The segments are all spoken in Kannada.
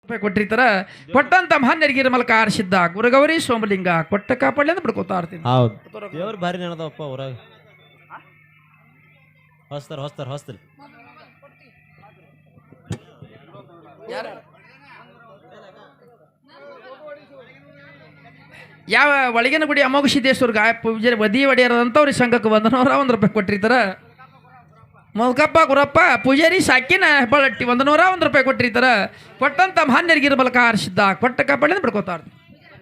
ರೂಪಾಯಿ ಕೊಟ್ಟಿರ್ತಾರ. ಕೊಟ್ಟಂತ ಮಹಾನ್ಯರಿಗೆ ಮಲಕ ಆರಿಸಿದ್ದ ಗುರುಗೌರಿ ಸೋಮಲಿಂಗ ಕೊಟ್ಟ ಕಾಪಾಡಲಿ ಅಂತ ಬಿಡ್ಕೋತಾ ಇರ್ತೀನಿ. ಹೌದು ದೇವ್ರ ಭಾರಿ ನೆನದವಪ್ಪ ಊರಾಗ. ಹೊಸ್ತಾರ ಯಾವ ಒಳಗಿನ ಗುಡಿ ಅಮೋಘ ಸಿದ್ದೇಶ್ವರ್ಗ ಪೂಜೆ ಬದಿ ಒಡೆಯರಂತವ್ರಿಗೆ ಸಂಘಕ್ಕೆ $100 ರೂಪಾಯಿ ಕೊಟ್ಟಿರ್ತಾರ. ಮೊದಕಪ್ಪ ಗುರಪ್ಪ ಪೂಜಾರಿ ಸಾಕಿನ ಹೆಬ್ಬಳಟ್ಟಿ $101 ರೂಪಾಯಿ ಕೊಟ್ಟಿರ್ತಾರ. ಕೊಟ್ಟಂತ ಮಹಾನ್ಯರಿಗೆ ಮಲಕ ಆರಿಸಿದ್ದ ಕೊಟ್ಟ ಕಾಪಾಡಿ ಅಂತ ಬಿಡ್ಕೋತಾ ಇರ್ತೀನಿ.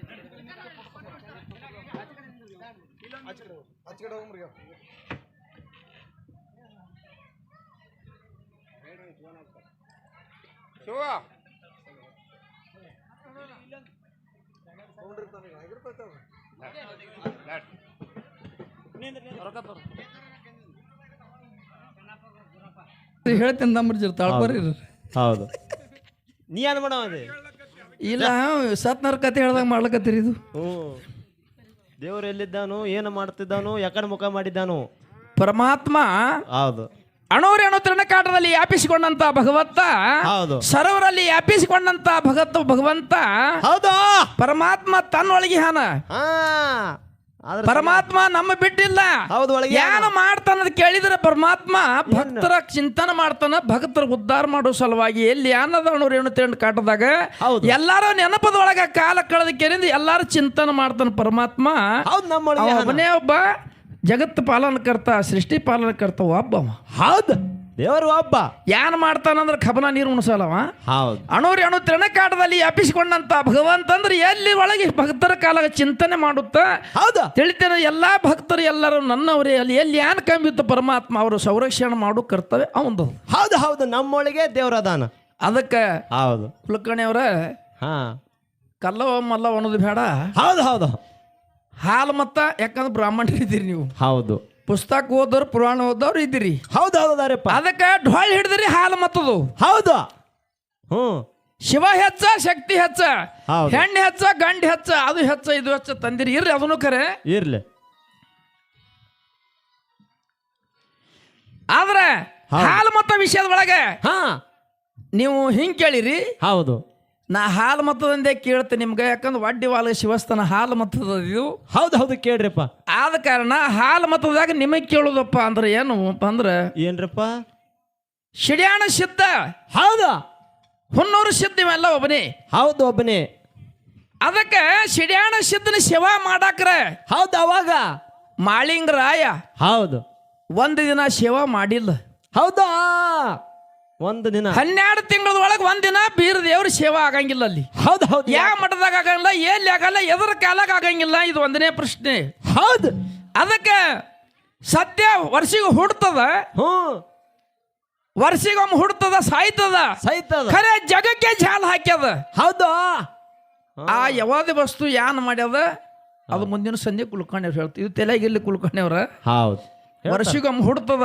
ಹೇಳ್ತೇನೆ ನಂಬರ್ ತಾಳ್ಬರ್ರಿ. ಹೌದು ನೀ ಏನ್ ಮಾಡವ ಇಲ್ಲ ಸತ್ನರ ಕತೆ ಹೇಳ್ದಾಗ ಮಾಡ್ಲಕತ್ತೀರಿ. ಇದು ದೇವ್ರು ಎಲ್ಲಿದ್ದಾನು ಏನು ಮಾಡ್ತಿದ್ದಾನು ಯಾಕಡೆ ಮುಖ ಮಾಡಿದ್ದಾನು ಪರಮಾತ್ಮ. ಹೌದು ಅಣೋರೇಣು ತೃಣಕಾಟದಲ್ಲಿ ವ್ಯಾಪಿಸಿಕೊಂಡಂತ ಭಗವಂತ. ಹೌದು ಸರೋವರಲ್ಲಿ ವ್ಯಾಪಿಸಿಕೊಂಡಂತ ಭಗವಂತ. ಹೌದು ಪರಮಾತ್ಮ ತನ್ನೊಳಗೆ ಹಾನ. ಪರಮಾತ್ಮ ನಮ್ಮ ಬಿಟ್ಟಿಲ್ಲ. ಹೌದು ಒಳಗೆ ಏನು ಮಾಡ್ತಾನ ಕೇಳಿದ್ರೆ ಪರಮಾತ್ಮ ಭಕ್ತರ ಚಿಂತನೆ ಮಾಡ್ತಾನ. ಭಕ್ತರ ಉದ್ಧಾರ ಮಾಡೋ ಸಲುವಾಗಿ ಎಲ್ಲಿ ಅನ್ನದ ಅಣೋರೇಣು ತೃಣಕಾಟದಾಗ ಎಲ್ಲಾರು ನೆನಪದೊಳಗ ಕಾಲ ಕಳೆದ ಕೇಳಿಂದ ಎಲ್ಲಾರು ಚಿಂತನೆ ಮಾಡ್ತಾನ ಪರಮಾತ್ಮ. ಅವನೇ ಒಬ್ಬ ಜಗತ್ ಪಾಲನಕರ್ತ ಸೃಷ್ಟಿ ಪಾಲನಕರ್ತ ಒಬ್ಬ. ಹೌದು ದೇವರು ಒಬ್ಬ. ಏನ್ ಮಾಡ್ತಾನಂದ್ರೆ ಕಬನ ನೀರು ಉಣಿಸಲ್ಲವ. ಹೌದು ಅಣು ತೃಣಕಾಟದಲ್ಲಿ ವ್ಯಾಪಿಸಿಕೊಂಡಂತ ಭಗವಂತ ಅಂದ್ರೆ ಎಲ್ಲಿ ಒಳಗೆ ಭಕ್ತರ ಕಾಲ ಚಿಂತನೆ ಮಾಡುತ್ತಾ. ಹೌದು ತಿಳಿತೇನೆ ಎಲ್ಲಾ ಭಕ್ತರು ಎಲ್ಲರೂ ನನ್ನವರೇ. ಅಲ್ಲಿ ಎಲ್ಲಿ ಏನ್ ಕಂಬಿತ್ತು ಪರಮಾತ್ಮ ಅವರು ಸಂರಕ್ಷಣೆ ಮಾಡೋ ಕರ್ತವ್ಯ ಅವಂದು. ಹೌದು ಹೌದು ನಮ್ಮೊಳಗೆ ದೇವರದಾನ. ಅದಕ್ಕೆ ಹೌದು ಕುಲಕರ್ಣಿಯವರ ಕಲ್ಲವ ಮಲ್ಲವ ಅನ್ನೋದು ಬೇಡ. ಹೌದು ಹೌದು ಹಾಲು ಮತ್ತ ಯಾಕಂದ್ರೆ ಬ್ರಾಹ್ಮಣರು ಇದ್ದೀರಿ ನೀವು. ಹೌದು ಪುಸ್ತಕ ಓದೋರು ಪುರಾಣ ಓದೋರು ಇದ್ದೀರಿ. ಹೌದು ಹೌದಾರಪ್ಪ. ಅದಕ್ಕೆ ಢೋಳ್ ಹಿಡಿದ್ರಿ ಹಾಲು ಮತ್ತದು. ಹೌದು ಶಿವ ಹೆಚ್ಚ ಶಕ್ತಿ ಹೆಚ್ಚ ಹೆಣ್ಣು ಹೆಚ್ಚ ಗಂಡು ಹೆಚ್ಚ ಅದು ಹೆಚ್ಚ ಇದು ಹೆಚ್ಚ ತಂದಿರಿ. ಇರ್ಲಿ ಅದನ್ನು ಖರೆ ಇರ್ಲಿ. ಆದ್ರೆ ಹಾಲು ಮತ ವಿಷಯದ ಒಳಗೆ ನೀವು ಹಿಂಗ್ ಕೇಳಿರಿ. ಹೌದು ನಾ ಹಾಲು ಮತದಂದೇ ಕೇಳ್ತೇನೆ ನಿಮ್ಗೆ. ಯಾಕಂದ್ರೆ ವಡ್ಡಿ ವಾಲ ಶಿವಸ್ಥಾನ ಹಾಲು ಮತದ ಇದು. ಹೌದು ಹೌದು ಕೇಳ್ರಿಪ್ಪ. ಆದ ಕಾರಣ ಹಾಲು ಮತದಾಗ ನಿಮಗೆ ಕೇಳುದಪ್ಪ ಅಂದ್ರೆ ಏನು ಅಂದ್ರೆ ಏನ್ರಪ್ಪ ಶಿಡ್ಯಾಣ ಸಿದ್ಧ. ಹೌದಾ ಹುನ್ನೂರು ಸಿದ್ಧ ಇವೆಲ್ಲ ಒಬ್ಬನೇ. ಹೌದು ಒಬ್ಬನೇ. ಅದಕ್ಕೆ ಶಿಡ್ಯಾಣ ಸಿದ್ಧನ ಸೇವಾ ಮಾಡಾಕ್ರ. ಹೌದು ಅವಾಗ ಮಾಳಿಂಗರಾಯ ಹೌದು ಒಂದು ದಿನ ಸೇವಾ ಮಾಡಿಲ್ಲ. ಹೌದಾ ಒಂದು ದಿನ 12 ತಿಂಗಳದೊಳಗೆ ಒಂದಿನ ಬೀರ ದೇವ್ರ ಸೇವಾ ಆಗಂಗಿಲ್ಲ ಅಲ್ಲಿ. ಹೌದು ಹೌದು ಯಾವ ಮಠದಾಗ ಆಗಂಗಿಲ್ಲ, ಎಲ್ಲಿ ಆಗಲ್ಲ, ಎದ್ರ ಕಾಲಾಗ ಆಗಂಗಿಲ್ಲ. ಇದು ಒಂದನೇ ಪ್ರಶ್ನೆ. ಹೌದು ಅದಕ್ಕೆ ಸತ್ಯ ವರ್ಷಿಗೆ ಹುಡ್ತದ. ವರ್ಷಿಗೊಮ್ಮೆ ಹುಡ್ತದ ಸಾಯ್ತದ. ಖರೆ ಜಗಕ್ಕೆ ಜಾಲ ಹಾಕ್ಯದ. ಹೌದು ಆ ಯಾವ್ದೇ ವಸ್ತು ಯಾನ್ ಮಾಡ್ಯದ ಅದು ಮುಂದಿನ ಸಂಜೆ ಕುಲ್ಕರ್ಣಿಯವ್ರು ಹೇಳ್ತೀವಿ. ಇದು ತೆಲಗಿಲ್ಲಿ ಕುಲ್ಕರ್ಣಿಯವ್ರ. ಹೌದು ವರ್ಷಿಗೊಮ್ಮೆ ಹುಡ್ತದ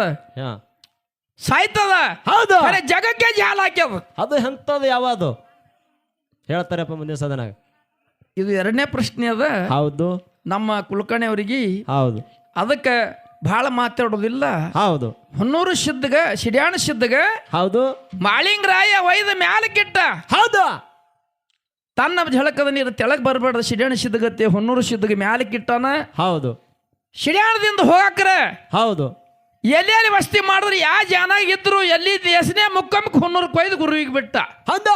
ಸಾಯ್ತದ. ಹೌದು ಜಗಕ್ಕೆ ಜಾಲ ಹಾಕ್ಯದ. ಅದು ಎಂತದು ಯಾವುದು ಹೇಳ್ತಾರಪ್ಪ ಮುಂದಿನ ಸದನಾಗ. ಇದು ಎರಡನೇ ಪ್ರಶ್ನೆ ಅದ. ಹೌದು ನಮ್ಮ ಕುಲಕರ್ಣಿಯವರಿಗೆ. ಹೌದು ಅದಕ್ಕೆ ಬಹಳ ಮಾತಾಡೋದಿಲ್ಲ. ಹೌದು ಹೊನ್ನೂರು ಸಿದ್ಧಗ ಶಿಡ್ಯಾಣ ಸಿದ್ಧಗ. ಹೌದು ಮಾಳಿಂಗರಾಯ ಒಯ್ದ ಮ್ಯಾಲಕ್ಕಿಟ್ಟ. ಹೌದು ತನ್ನ ಝಳಕದ ನೀರು ತೆಳಗ್ ಬರಬೇಡ ಶಿಡ್ಯಾಣ ಸಿದ್ಧಗತ್ತೆ ಹೊನ್ನೂರು ಸಿದ್ಧಗ ಮ್ಯಾಲಕ್ಕಿಟ್ಟಾನ. ಹೌದು ಶಿಡ್ಯಾಣದಿಂದ ಹೋಗಾಕ್ರ. ಹೌದು ಎಲ್ಲಿ ವಸ್ತಿ ಮಾಡಿದ್ರು ಯಾವ ಜನ ಇದ್ರು ಎಲ್ಲಿ ದೇಶನೇ ಮುಕ್ಕಮ್ಮಕ್ಕೆ ಹೊನ್ನೂರು ಕೊಯ್ದು ಗುರುವಿಗೆ ಬಿಟ್ಟ. ಹೌದಾ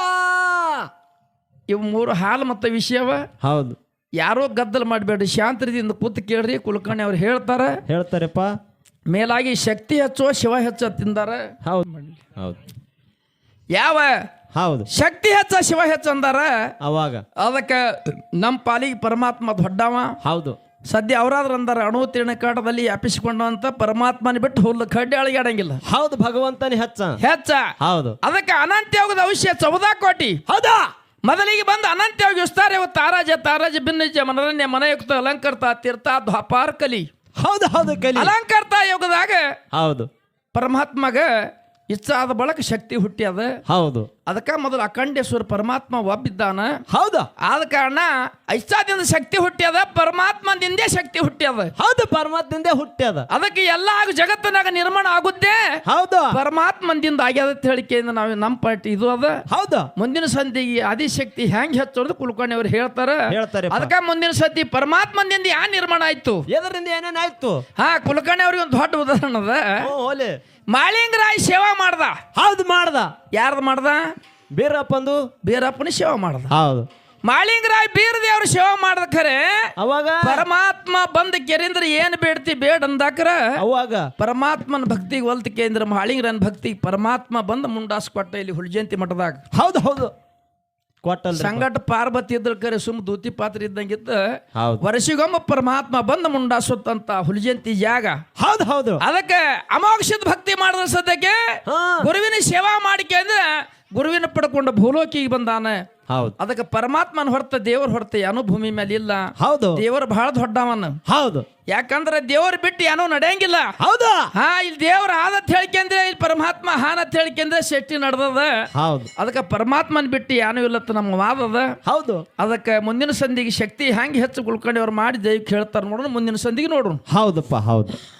ಇವು 3 ಹಾಲು ಮತ್ತು ವಿಷಯವ. ಹೌದು ಯಾರೋ ಗದ್ದಲ ಮಾಡಬೇಡ್ರಿ, ಶಾಂತದಿಂದ ಕೂತು ಕೇಳ್ರಿ. ಕುಲಕರ್ಣಿ ಅವ್ರು ಹೇಳ್ತಾರಪ್ಪ. ಮೇಲಾಗಿ ಶಕ್ತಿ ಹೆಚ್ಚೋ ಶಿವ ಹೆಚ್ಚ ತಿಂದಾರ. ಹೌದು ಹೌದು ಯಾವ ಹೌದು ಶಕ್ತಿ ಹೆಚ್ಚ ಶಿವ ಹೆಚ್ಚ ಅಂದಾರ ಅವಾಗ. ಅದಕ್ಕೆ ನಮ್ಮ ಪಾಲಿಗೆ ಪರಮಾತ್ಮ ದೊಡ್ಡವ. ಹೌದು ಸದ್ಯ ಅವರಾದ್ರ ಅಂದಾರ ಅಣು ತಿರ್ಣಕಾಟದಲ್ಲಿ ವ್ಯಾಪಿಸಿಕೊಂಡಂತ ಪರಮಾತ್ಮನ ಬಿಟ್ಟು ಹುಲ್ಲು ಕಡ್ಡಿ ಅಳಿಗಾಡಂಗಿಲ್ಲ. ಹೌದು ಭಗವಂತನ ಹೆಚ್ಚ. ಹೌದು ಅದಕ್ಕೆ ಅನಂತ ಯೋಗದ ಅವಶ್ಯ 14 ಕೋಟಿ. ಹೌದಾ ಮೊದಲಿಗೆ ಬಂದು ಅನಂತ ಯೋಗ ವಿಸ್ತಾರ ತಾರಾಜ ಭಿನ್ನಜ ಮನರಣ್ಯ ಮನಯುಕ್ತ ಅಲಂಕರ್ತ ತೀರ್ಥ ದ್ವಾಪಾರ ಕಲಿ. ಹೌದು ಹೌದು ಕಲಿ. ಅಲಂಕರ್ತ ಯೋಗದಾಗ ಹೌದು ಪರಮಾತ್ಮಗ ಇಚ್ಛೆ ಆದ ಬಳಕ ಶಕ್ತಿ ಹುಟ್ಟ್ಯದ. ಹೌದು ಅದಕ್ಕ ಮೊದಲು ಅಖಂಡೇಶ್ವರ ಪರಮಾತ್ಮ ಒಬ್ಬಿದ್ದಾನ. ಹೌದು ಆದ ಕಾರಣ ಇಚ್ಛಾದಿಂದ ಶಕ್ತಿ ಹುಟ್ಟ್ಯದ, ಪರಮಾತ್ಮದಿಂದೇ ಶಕ್ತಿ ಹುಟ್ಟ್ಯದ. ಹೌದು ಪರಮಾತ್ಮದಿಂದ ಹುಟ್ಟ್ಯದ. ಅದಕ್ಕೆ ಎಲ್ಲ ಜಗತ್ತಿನಾಗ ನಿರ್ಮಾಣ ಆಗುತ್ತೆ ಹೌದು ಪರಮಾತ್ಮದಿಂದ ಆಗ್ಯದ ಅಂತ ಹೇಳಿಕೆಯಿಂದ ನಾವು ನಮ್ಮ ಪಾರ್ಟಿ ಇದು ಅದ. ಹೌದು ಮುಂದಿನ ಸಂಧಿಗೆ ಆದಿಶಕ್ತಿ ಹೆಂಗ್ ಹೆಚ್ಚೋದು ಕುಲಕರ್ಣಿ ಅವ್ರು ಹೇಳ್ತಾರೆ. ಅದಕ್ಕ ಮುಂದಿನ ಸತಿ ಪರಮಾತ್ಮದಿಂದ ಯಾ ನಿರ್ಮಾಣ ಆಯ್ತು, ಎದರಿಂದ ಏನೇನಾಯ್ತು? ಹಾ ಕುಲಕರ್ಣಿ ಅವ್ರಿಗೆ ಒಂದು ದೊಡ್ಡ ಉದಾಹರಣೆ ಅದ. ಓಲೆ ಮಾಳಿಂಗರಾಯ್ ಸೇವಾ ಮಾಡ್ದ. ಹೌದು ಮಾಡ್ದ. ಯಾರ್ದು ಮಾಡ್ದ? ಬೀರಪ್ಪಂದು. ಬೀರಪ್ಪನ ಸೇವಾ ಮಾಡ್ದ. ಹೌದು ಮಾಳಿಂಗರಾಯ್ ಬೀರದೇವ್ರ ಸೇವಾ ಮಾಡ್ದ. ಖರೆ ಅವಾಗ ಪರಮಾತ್ಮ ಬಂದ ಕೆರೆಂದ್ರ ಏನ್ ಬೇಡ್ತಿ ಬೇಡ ಅಂದಾಕ್ರ ಅವಾಗ ಪರಮಾತ್ಮನ ಭಕ್ತಿಗೆ ಒಲ್ತ ಕೇಂದ್ರ ಮಾಳಿಂಗರನ್ ಭಕ್ತಿ ಪರಮಾತ್ಮ ಬಂದ ಮುಂಡಾಸ್ ಕೊಟ್ಟ ಇಲ್ಲಿ ಹುಲ್ಜಂತಿ ಮಠದಾಗ. ಹೌದು ಹೌದು ಕೊಟ್ಟಲ್ ಸಂಗಟ ಪಾರ್ವತಿ ಇದ್ರ ಕರೆ ಸುಮ್ ದೂತಿ ಪಾತ್ರ ಇದ್ದಂಗಿದ್ದ. ಹೌದು ವರ್ಷಿಗೊಮ್ಮ ಪರಮಾತ್ಮ ಬಂದ ಮುಂಡಾಸುತ್ತಂತ ಹುಲ್ಜಂತಿ ಜಾಗ. ಹೌದು ಹೌದು ಅದಕ್ಕೆ ಅಮೋಕ್ಷದ ಭಕ್ತಿ ಮಾಡಿದ ಸದ್ಯಕ್ಕೆ ಹಾ ಗುರುವಿನ ಸೇವಾ ಮಾಡಿಕೆ ಅಂದ್ರೆ ಗುರುವಿನ ಪಡ್ಕೊಂಡು ಭೂಲೋಕಿಗೆ ಬಂದಾನ. ಹೌದು ಅದಕ್ಕೆ ಪರಮಾತ್ಮನ ಹೊರತ ದೇವ್ರ ಹೊರತ ಏನೋ ಭೂಮಿ ಮೇಲೆ ಇಲ್ಲ. ಹೌದು ದೇವರು ಬಹಳ ದೊಡ್ಡವನ. ಹೌದು ಯಾಕಂದ್ರೆ ದೇವ್ರ ಬಿಟ್ಟು ಏನೋ ನಡೆಯಂಗಿಲ್ಲ. ಹೌದು ಹಾ ಇಲ್ಲಿ ದೇವ್ರ ಆದತ್ ಹೇಳಿಕೆಂದ್ರೆ ಇಲ್ಲಿ ಪರಮಾತ್ಮ ಹಾನತ್ ಹೇಳಿಕೆಂದ್ರೆ ಶೆಟ್ಟಿ ನಡೆದದ. ಹೌದು ಅದಕ್ಕೆ ಪರಮಾತ್ಮನ ಬಿಟ್ಟು ಏನೂ ಇಲ್ಲತ್ತ ನಮ್ಮ ವಾದದ. ಹೌದು ಅದಕ್ಕೆ ಮುಂದಿನ ಸಂಧಿಗೆ ಶಕ್ತಿ ಹೆಂಗೆ ಹೆಚ್ಚು ಕುಳ್ಕೊಂಡವ್ರು ಮಾಡಿ ದೈವಕ್ಕೆ ಹೇಳ್ತಾರೆ ನೋಡೋಣ. ಮುಂದಿನ ಸಂಧಿಗೆ ನೋಡೋಣ. ಹೌದಪ್ಪ ಹೌದು.